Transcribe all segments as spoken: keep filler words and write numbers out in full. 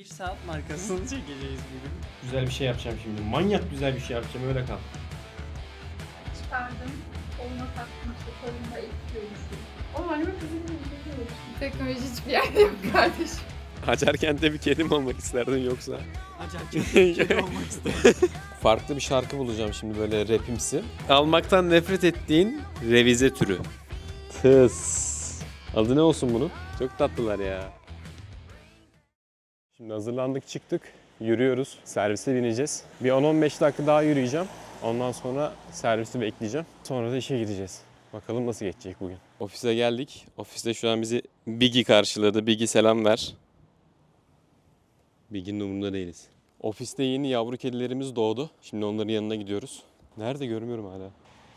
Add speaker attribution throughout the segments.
Speaker 1: saat markasını çekeceğiz bugün.
Speaker 2: Güzel bir şey yapacağım şimdi. Manyak güzel bir şey yapacağım, öyle kal.
Speaker 3: Çıkardım, koluna taktım işte, kolunda ilk görüşüm. Ama anneme kızım gibi teknoloji hiçbir yerde yok kardeşim.
Speaker 4: Açarken bir kedi mi olmak isterdin yoksa?
Speaker 1: Acayip kedi olmak istedim.
Speaker 4: Farklı bir şarkı bulacağım şimdi, böyle rapimsi. Almaktan nefret ettiğin revize türü. Tıs. Adı ne olsun bunun? Çok tatlılar ya. Şimdi hazırlandık, çıktık. Yürüyoruz. Servise bineceğiz. Bir on on beş dakika daha yürüyeceğim. Ondan sonra servisi bekleyeceğim. Sonra da işe gideceğiz. Bakalım nasıl geçecek bugün. Ofise geldik. Ofiste şu an bizi Biggie karşıladı. Biggie selam ver. Biggie'nin umurunda değiliz. Ofiste yeni yavru kedilerimiz doğdu. Şimdi onların yanına gidiyoruz. Nerede görmüyorum hala.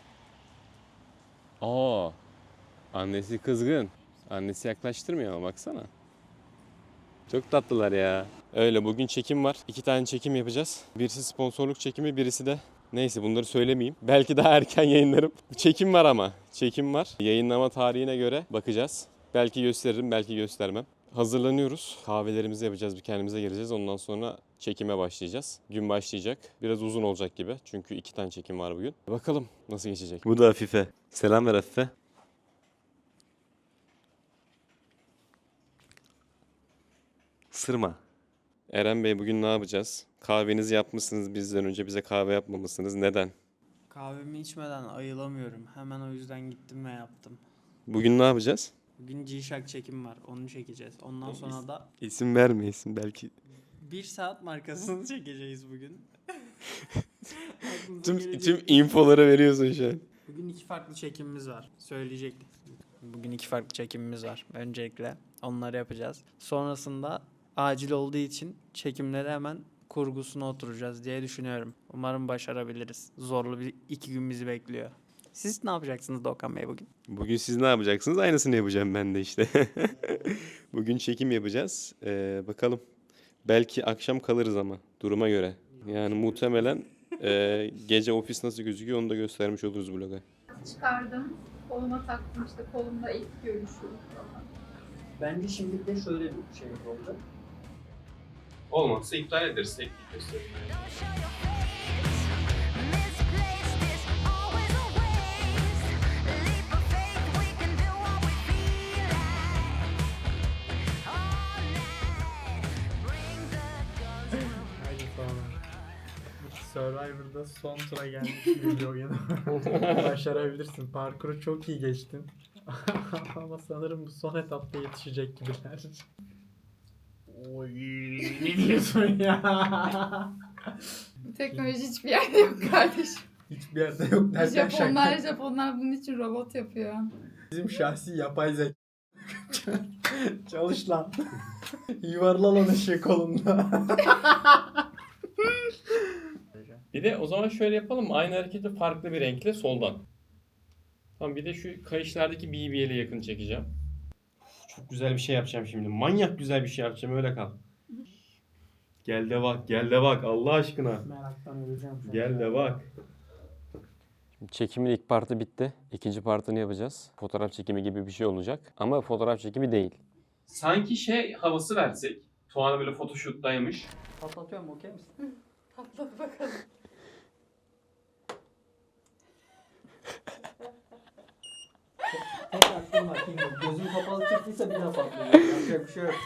Speaker 4: Aa, annesi kızgın. Annesi yaklaştırmıyor ama baksana. Çok tatlılar ya. Öyle, bugün çekim var. İki tane çekim yapacağız. Birisi sponsorluk çekimi, birisi de neyse bunları söylemeyeyim. Belki daha erken yayınlarım. Çekim var ama. Çekim var. Yayınlama tarihine göre bakacağız. Belki gösteririm, belki göstermem. Hazırlanıyoruz. Kahvelerimizi yapacağız, bir kendimize geleceğiz. Ondan sonra çekime başlayacağız. Gün başlayacak. Biraz uzun olacak gibi. Çünkü iki tane çekim var bugün. Bakalım nasıl geçecek. Bu da Afife. Selam ver Afife. Sırma. Eren Bey, bugün ne yapacağız? Kahvenizi yapmışsınız bizden önce, bize kahve yapmamışsınız. Neden?
Speaker 1: Kahvemi içmeden ayılamıyorum. Hemen o yüzden gittim ve yaptım.
Speaker 4: Bugün ne yapacağız?
Speaker 1: Bugün G-Shock çekim var. Onu çekeceğiz. Ondan sonra da
Speaker 4: İsim verme, isim belki.
Speaker 1: bir saat markasını çekeceğiz bugün. Aklınıza
Speaker 4: Tüm,
Speaker 1: gelecek.
Speaker 4: tüm infoları veriyorsun şu an.
Speaker 1: Bugün iki farklı çekimimiz var. Söyleyecektim. Bugün iki farklı çekimimiz var. Öncelikle onları yapacağız. Sonrasında acil olduğu için çekimleri hemen kurgusuna oturacağız diye düşünüyorum. Umarım başarabiliriz. Zorlu bir iki gün bizi bekliyor. Siz ne yapacaksınız Doğukan Bey bugün?
Speaker 4: Bugün siz ne yapacaksınız? Aynısını yapacağım ben de işte. Bugün çekim yapacağız. Ee, bakalım. Belki akşam kalırız ama duruma göre. Yani muhtemelen e, gece ofis nasıl gözüküyor onu da göstermiş oluruz vloga.
Speaker 3: Çıkardım, koluma taktım işte, kolumda ilk görüşüm falan.
Speaker 1: Bence şimdi de şöyle bir şey oldu.
Speaker 4: Olmazsa iptal ederiz. Teknik gösterim.
Speaker 1: Haydi sonra. Survivor'da son tura gelmiş bir oyunu. Başarabilirsin. Parkuru çok iyi geçtin. Ama sanırım bu son etapta yetişecek gibiler. Oy, ne diyorsun ya?
Speaker 3: Teknoloji hiçbir yerde yok kardeşim.
Speaker 1: Hiçbir yerde yok derken
Speaker 3: Japonlar,
Speaker 1: şaka.
Speaker 3: Japonlar bunun için robot yapıyor.
Speaker 1: Bizim şahsi yapay zeka. Çalış lan. Yuvarla lan ışığı kolunda.
Speaker 2: Bir de o zaman şöyle yapalım. Aynı hareketi farklı bir renkle soldan. Tamam, bir de şu kayışlardaki B B L'e yakın çekeceğim.
Speaker 4: Çok güzel bir şey yapacağım şimdi. Manyak güzel bir şey yapacağım, öyle kal. Gel de bak, gel de bak Allah aşkına.
Speaker 1: Meraktan öleceğim şu an.
Speaker 4: Gel de bak. Şimdi çekimin ilk partı bitti. İkinci partını yapacağız. Fotoğraf çekimi gibi bir şey olacak. Ama fotoğraf çekimi değil.
Speaker 2: Sanki şey havası versek. Tuana böyle photoshoot'taymış.
Speaker 1: Patlatıyorum, okey misin?
Speaker 3: Patladı bakalım.
Speaker 1: Tek aklım var. Gözüm kapalı çıktıysa bir daha patlayacak. Yapacak bir şey yok.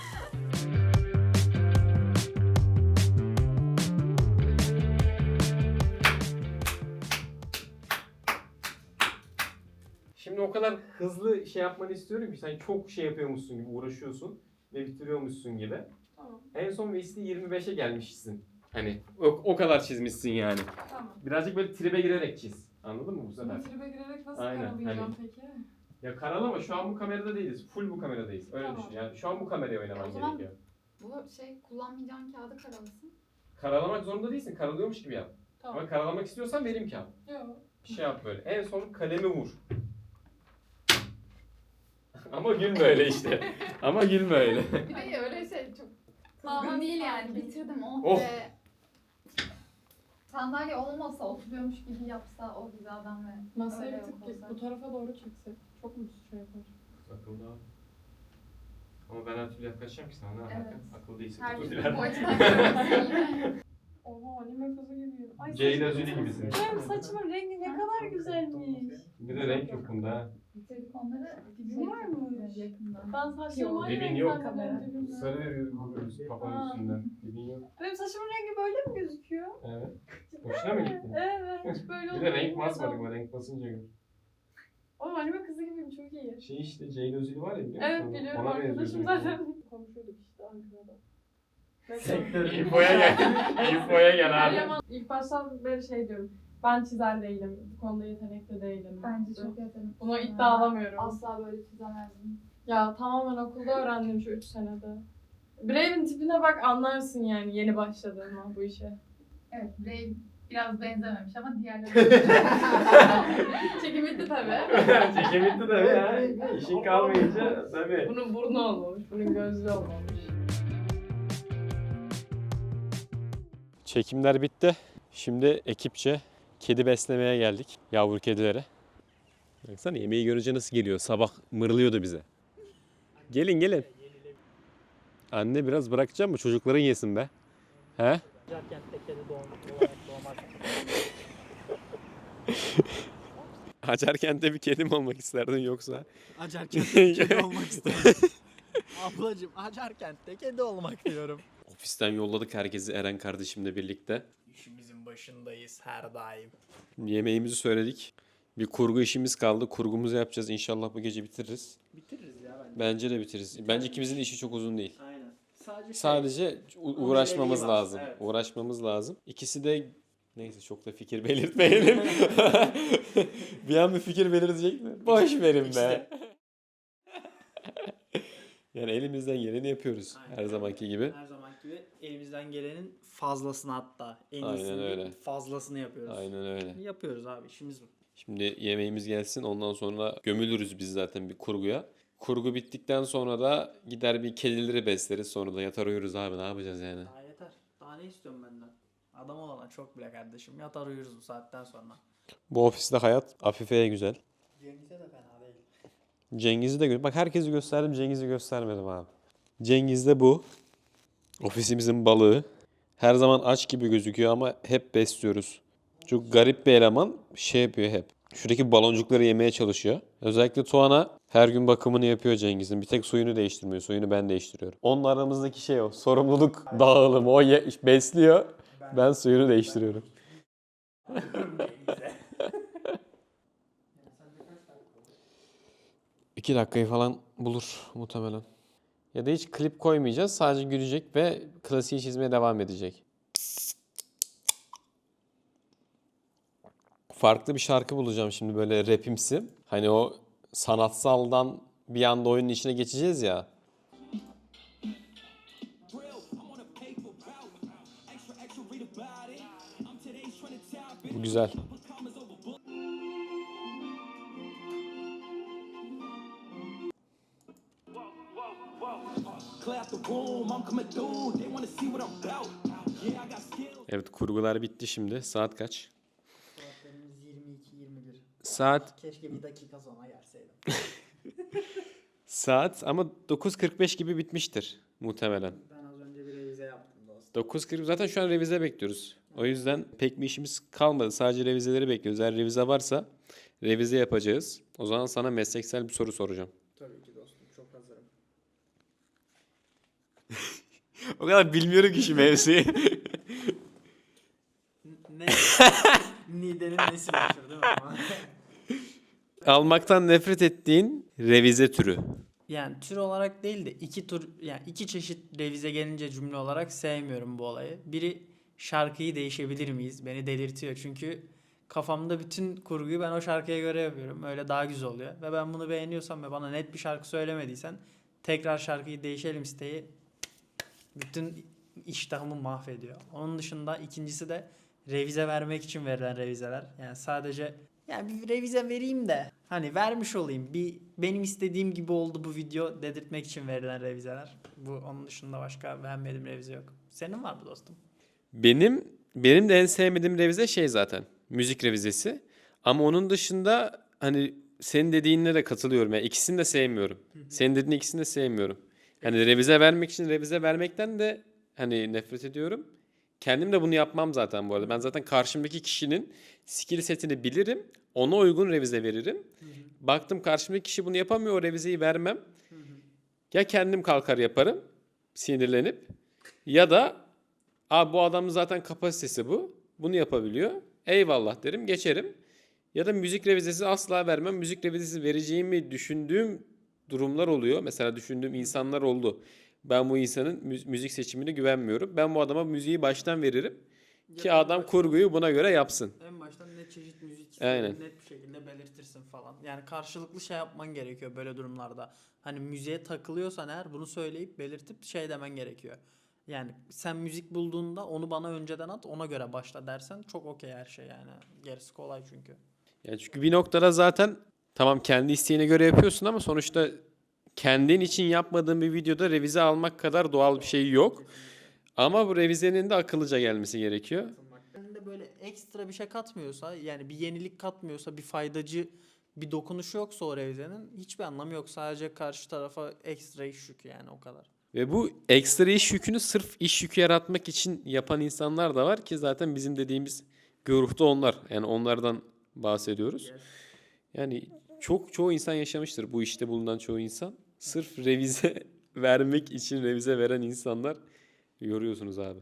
Speaker 2: Şimdi o kadar hızlı şey yapmanı istiyorum ki sen çok şey yapıyormuşsun gibi uğraşıyorsun ve bitiriyormuşsun gibi.
Speaker 3: Tamam.
Speaker 2: En son Vesti yirmi beşe gelmişsin. Hani o, o kadar çizmişsin yani.
Speaker 3: Tamam.
Speaker 2: Birazcık böyle tribe girerek çiz. Anladın mı bu sefer?
Speaker 3: Tribe girerek nasıl
Speaker 2: Aynen,
Speaker 3: karalayacağım
Speaker 2: hani-
Speaker 3: peki?
Speaker 2: Ya karalama, şu an bu kamerada değiliz. Full bu kameradayız. Öyle
Speaker 3: Tamam.
Speaker 2: düşün. Yani şu an bu kameraya oynaman
Speaker 3: O zaman-
Speaker 2: gerekiyor.
Speaker 3: Bu şey, kullanmayacağın kağıdı karalasın.
Speaker 2: Karalamak zorunda değilsin. Karalıyormuş gibi yap.
Speaker 3: Tamam.
Speaker 2: Ama karalamak istiyorsan vereyim kağıt.
Speaker 3: Yok.
Speaker 2: Bir şey yap böyle. En son kalemi vur. Ama gülme öyle işte. Ama gülme öyle.
Speaker 3: Bir de öyle şey çok kızgın değil yani. Bitirdim oh,
Speaker 2: Oh.
Speaker 3: be. Sandalye olmasa, oturuyormuş gibi yapsa o hizadan ve
Speaker 5: Masayı
Speaker 3: öyle
Speaker 5: bir tık
Speaker 3: olsa.
Speaker 5: bu tarafa doğru çeksek. Çok mu şey yapar?
Speaker 2: Akıllı abi. Ama ben her türlü yaklaşacağım ki sana. Ne alaka?
Speaker 3: Evet.
Speaker 2: Akıllı değilsin.
Speaker 3: Her
Speaker 2: Kutu
Speaker 3: türlü
Speaker 2: diler.
Speaker 3: bu açıdan görüyorsun yine.
Speaker 5: Oha anime kızı gibiyim. Ay
Speaker 2: Ceyda
Speaker 5: saçma-
Speaker 2: Züli gibisin.
Speaker 5: Benim saçımın rengi ne kadar güzelmiş.
Speaker 2: Bir de renk yok bunda ha.
Speaker 3: Bitirdik onları.
Speaker 5: Dibim var mı?
Speaker 3: Yakından.
Speaker 5: Ben saçlarım aynı
Speaker 2: Dibin
Speaker 5: renk
Speaker 2: yok.
Speaker 5: zannediyorum dibimde.
Speaker 2: Sarı veriyoruz kafanın
Speaker 5: Ha.
Speaker 2: üstünden. Dibin yok.
Speaker 5: Benim saçımın rengi böyle mi gözüküyor?
Speaker 2: Evet. Hoşuna mı gitti?
Speaker 5: Evet. Hiç böyle
Speaker 2: Bir de
Speaker 5: olduğunu
Speaker 2: renk basmadık
Speaker 5: bilmiyordum.
Speaker 2: mı? Renk basınca gör.
Speaker 5: Oğlum anime kızı gibiyim çok iyi.
Speaker 2: Şey işte Ceyda Özili var ya biliyor musun?
Speaker 5: Evet biliyorum
Speaker 2: Ona
Speaker 5: arkadaşım
Speaker 2: benziyorsun.
Speaker 5: zaten. Konuşuyorduk işte Ankara'da.
Speaker 1: Sektör.
Speaker 2: İnfoya gel. İnfoya gel abi.
Speaker 5: Meryem ilk baştan beri şey diyorum. Ben çizer değilim. Bu konuda yetenekli değilim.
Speaker 3: Bence çok yetenekli.
Speaker 5: Buna iddia alamıyorum.
Speaker 3: Asla böyle çizemezdim.
Speaker 5: Ya tamamen okulda öğrendim şu üç senede. Brave'in tipine bak anlarsın yani yeni başladığıma bu işe.
Speaker 3: Evet, Brave biraz benzememiş ama diğerleri...
Speaker 5: Çekim bitti tabii.
Speaker 2: Çekim bitti tabii ya. İşin kalmayınca tabii.
Speaker 5: Bunun burnu olmamış, bunun gözlü olmamış.
Speaker 4: Çekimler bitti. Şimdi ekipçe kedi beslemeye geldik. Yavru kedilere. Baksana yemeği görünce nasıl geliyor. Sabah mırlıyordu bize. Gelin gelin. Anne biraz bırakacak mı? Çocukların yesin be. He? Acarkent'te bir kedi mi olmak isterdin yoksa?
Speaker 1: Acarkent'te kedi olmak istedim. Ablacım Acarkent'te kedi olmak diyorum.
Speaker 4: Ofisten yolladık herkesi Eren kardeşimle birlikte.
Speaker 1: İşimizin başındayız her daim.
Speaker 4: Yemeğimizi söyledik. Bir kurgu işimiz kaldı. Kurgumuzu yapacağız. İnşallah bu gece bitiririz.
Speaker 1: Bitiririz ya bence.
Speaker 4: Bence de bitiririz. Bence ikimizin de işi çok uzun değil.
Speaker 1: Aynen. Sadece, şey,
Speaker 4: Sadece u- uğraşmamız
Speaker 1: aceleyi var.
Speaker 4: lazım.
Speaker 1: Evet.
Speaker 4: Uğraşmamız lazım. İkisi de neyse çok da fikir belirtmeyelim. Bir an bir fikir belirtecek mi? Boş verin be.
Speaker 1: İşte.
Speaker 4: Yani elimizden geleni yapıyoruz
Speaker 1: Aynen.
Speaker 4: her zamanki gibi.
Speaker 1: Her zamanki gibi elimizden gelenin fazlasını hatta. En
Speaker 4: Aynen
Speaker 1: iyisini
Speaker 4: öyle.
Speaker 1: değil, fazlasını yapıyoruz.
Speaker 4: Aynen öyle.
Speaker 1: Yapıyoruz abi, işimiz bu.
Speaker 4: Şimdi yemeğimiz gelsin ondan sonra gömülürüz biz zaten bir kurguya. Kurgu bittikten sonra da gider bir kedileri besleriz sonra da yatar uyuruz abi ne yapacağız yani.
Speaker 1: Daha yeter. Daha ne istiyorum benden? Adam olana çok bile kardeşim. Yatar uyuruz bu saatten sonra.
Speaker 4: Bu ofiste hayat Afife'ye güzel.
Speaker 1: Cengiz'e de fena değil.
Speaker 4: Cengiz'i de gö- bak herkesi gösterdim Cengiz'i göstermedim abi. Cengiz de bu. Ofisimizin balığı. Her zaman aç gibi gözüküyor ama hep besliyoruz. Çok garip bir eleman şey yapıyor hep. Şuradaki baloncukları yemeye çalışıyor. Özellikle Tuana her gün bakımını yapıyor Cengiz'in. Bir tek suyunu değiştirmiyor. Suyunu ben değiştiriyorum. Onun aramızdaki şey o. Sorumluluk dağılımı. O ye- besliyor. Ben suyunu değiştiriyorum. İki dakikayı falan bulur muhtemelen. Ya da hiç klip koymayacağız. Sadece gülecek ve klasiği çizmeye devam edecek. Farklı bir şarkı bulacağım şimdi böyle rapimsi. Hani o sanatsaldan bir anda oyunun içine geçeceğiz ya. Bu güzel. Evet kurgular bitti şimdi. Saat kaç?
Speaker 1: Saatlerimiz yirmi iki yirmi bir.
Speaker 4: Saat
Speaker 1: Keşke bir dakika sonra gelseydim.
Speaker 4: saat ama dokuz kırk beş gibi bitmiştir muhtemelen.
Speaker 1: Ben az önce bir revize yaptım dostum.
Speaker 4: dokuz kırk zaten şu an revize bekliyoruz. O yüzden pek bir işimiz kalmadı. Sadece revizeleri bekliyoruz. Eğer revize varsa revize yapacağız. O zaman sana mesleksel bir soru soracağım.
Speaker 1: Tabii ki dostum, çok hazırım.
Speaker 4: O kadar bilmiyorum ki şu mevzuyu.
Speaker 1: Ne? Nide'nin nesi meşhur değil mi? Ama?
Speaker 4: Almaktan nefret ettiğin revize türü.
Speaker 1: Yani tür olarak değil de iki tür, yani iki çeşit revize gelince cümle olarak sevmiyorum bu olayı. Biri şarkıyı değişebilir miyiz? Beni delirtiyor çünkü kafamda bütün kurguyu ben o şarkıya göre yapıyorum. Öyle daha güzel oluyor. Ve ben bunu beğeniyorsam ve bana net bir şarkı söylemediysen tekrar şarkıyı değişelim isteği bütün iştahımı mahvediyor. Onun dışında ikincisi de revize vermek için verilen revizeler. Yani sadece yani bir revize vereyim de hani vermiş olayım. Bir benim istediğim gibi oldu bu video dedirtmek için verilen revizeler. Bu onun dışında başka beğenmediğim revize yok. Senin var mı dostum?
Speaker 4: Benim benim de en sevmediğim revize şey zaten. Müzik revizesi. Ama onun dışında hani senin dediğinle de katılıyorum. Yani ikisini de sevmiyorum. Senin dediğin ikisini de sevmiyorum. Yani revize vermek için revize vermekten de hani nefret ediyorum. Kendim de bunu yapmam zaten bu arada. Ben zaten karşımdaki kişinin skill setini bilirim. Ona uygun revize veririm.
Speaker 1: Hı hı.
Speaker 4: Baktım karşımdaki kişi bunu yapamıyor, o revizeyi vermem.
Speaker 1: Hı hı.
Speaker 4: Ya kendim kalkar yaparım sinirlenip ya da abi bu adamın zaten kapasitesi bu. Bunu yapabiliyor. Eyvallah derim, geçerim. Ya da müzik revizesi asla vermem. Müzik revizesi vereceğimi düşündüğüm durumlar oluyor. Mesela düşündüğüm insanlar oldu. Ben bu insanın mü- müzik seçimine güvenmiyorum. Ben bu adama müziği baştan veririm ki
Speaker 1: Ya da en
Speaker 4: adam
Speaker 1: baştan-
Speaker 4: kurguyu buna göre yapsın.
Speaker 1: En baştan ne çeşit müzik
Speaker 4: Aynen.
Speaker 1: istediğini net bir şekilde belirtirsin falan. Yani karşılıklı şey yapman gerekiyor böyle durumlarda. Hani müziğe takılıyorsan eğer bunu söyleyip belirtip şey demen gerekiyor. Yani sen müzik bulduğunda onu bana önceden at, ona göre başla dersen çok okey her şey yani. Gerisi kolay çünkü.
Speaker 4: Yani çünkü bir noktada zaten tamam kendi isteğine göre yapıyorsun ama sonuçta kendin için yapmadığın bir videoda revize almak kadar doğal bir şey yok. Ama bu revizenin de akıllıca gelmesi gerekiyor.
Speaker 1: Kendine böyle ekstra bir şey katmıyorsa, yani bir yenilik katmıyorsa, bir faydacı bir dokunuşu yoksa o revizenin hiçbir anlamı yok. Sadece karşı tarafa ekstra iş yükü yani, o kadar.
Speaker 4: Ve bu ekstra iş yükünü sırf iş yükü yaratmak için yapan insanlar da var ki zaten bizim dediğimiz güruhta onlar. Yani onlardan bahsediyoruz. Yani çok çoğu insan yaşamıştır bu işte bulunan çoğu insan. Sırf revize vermek için revize veren insanlar yoruyorsunuz abi.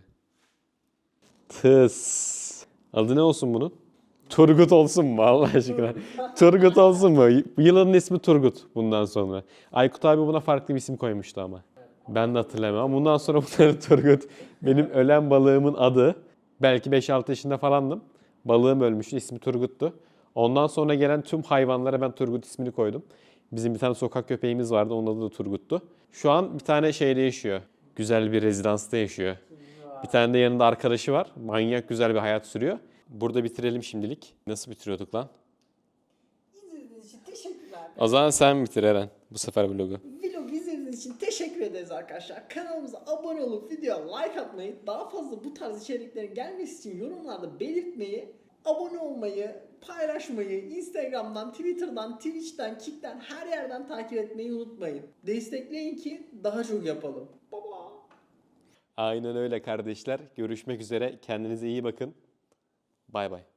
Speaker 4: Tıs. Adı ne olsun bunun? Turgut olsun mu Allah aşkına? Turgut olsun mu? Yılanın ismi Turgut bundan sonra. Aykut abi buna farklı bir isim koymuştu ama. Ben de hatırlamam. Bundan sonra bunların Turgut. Benim ölen balığımın adı. Belki beş altı yaşında falandım. Balığım ölmüştü. İsmi Turgut'tu. Ondan sonra gelen tüm hayvanlara ben Turgut ismini koydum. Bizim bir tane sokak köpeğimiz vardı. Onun adı da Turgut'tu. Şu an bir tane şeyde yaşıyor. Güzel bir rezidansta yaşıyor. Bir tane de yanında arkadaşı var. Manyak güzel bir hayat sürüyor. Burada bitirelim şimdilik. Nasıl bitiriyorduk lan?
Speaker 6: İzlediğiniz için teşekkürler.
Speaker 4: O zaman sen bitir Eren. Bu sefer vlogu.
Speaker 6: Vlog izlediğiniz için teşekkür ederiz arkadaşlar. Kanalımıza abone olup videoya like atmayı, daha fazla bu tarz içeriklerin gelmesi için yorumlarda belirtmeyi, abone olmayı, paylaşmayı, Instagram'dan, Twitter'dan, Twitch'ten, Kick'ten her yerden takip etmeyi unutmayın. Destekleyin ki daha çok yapalım. Baba.
Speaker 4: Aynen öyle kardeşler. Görüşmek üzere. Kendinize iyi bakın. Bay bay.